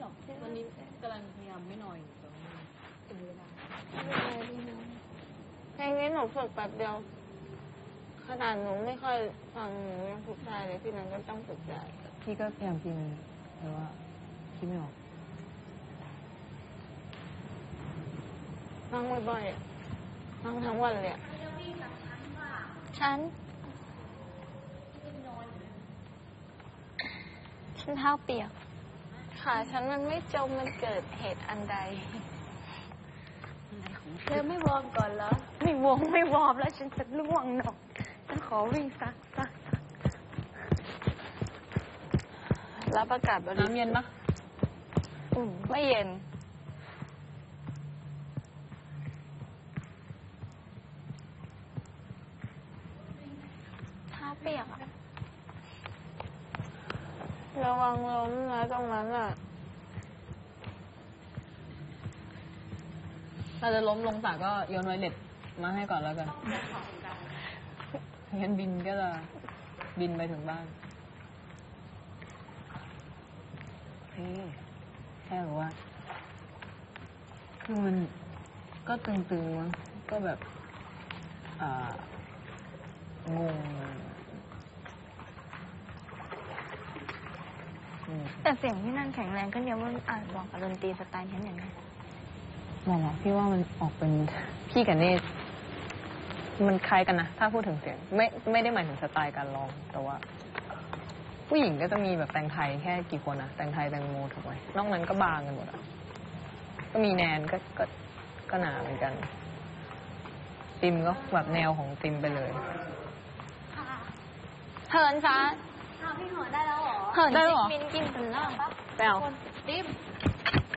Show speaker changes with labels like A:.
A: หรอกวันนี้กำลังพยายามไม่นอนอยู่ตรงนี้ถึงเวลา
B: เพลงนี้หนูฝึกแป๊บเดียวขนาดหนูไม่ค่อยฟังหนูยังฝึกได้เลยพี่นันก็ต้องฝึกได้
A: พี่ก็พยายามพิมพ์แต่ว่าคิดไม่ออก
B: ฟังบ่อยๆฟังทั้งวันเลยฉันเท้าเปียกขาฉันมันไม่จมมันเกิดเหตุอันใด
A: เธอไม่วอร์มก่อนเหรอ
B: ไม่วอร์มแล้วฉันจะล่วงหนอกฉันขอวิ่งซักรับอากาศ
A: น้ำเย็นปะ
B: ไม่เย็นเท้าเปียกระวังล้มนะตรงนั้นอ่ะ
A: เราจะล้มลงสระก็โยนไวเล็ตมาให้ก่อนแล้วกันงั้นบินก็จะบินไปถึงบ้านแค่รู้ว่าคือมันก็ตึงๆมั้งก็แบบงง
B: แต่เสียงที่นั่นแข็งแรงก็เยอะมันอาจบอกกับดนตรีสไตล์ฉันอย่างนี้
A: บอกว่าพี่ว่ามันออกเป็นพี่กับเนตมันคล้ายกันนะถ้าพูดถึงเสียงไม่ได้หมายถึงสไตล์การร้องแต่ว่าผู้หญิงก็จะมีแบบแต่งไทยแค่กี่คนนะแต่งไทยแต่งโมถูกไหมนอกนั้นก็บางกันหมดอ่ะก็มีแนนก็หนาเหมือนกันติมก็แบบแนวของติมไปเลย
B: เหินฟ้า
C: พี่เหินได้แล้วเหรอ
B: เหินได้หรอมินกินถึงแล้ว
A: ไปเอา
C: ติ๊บ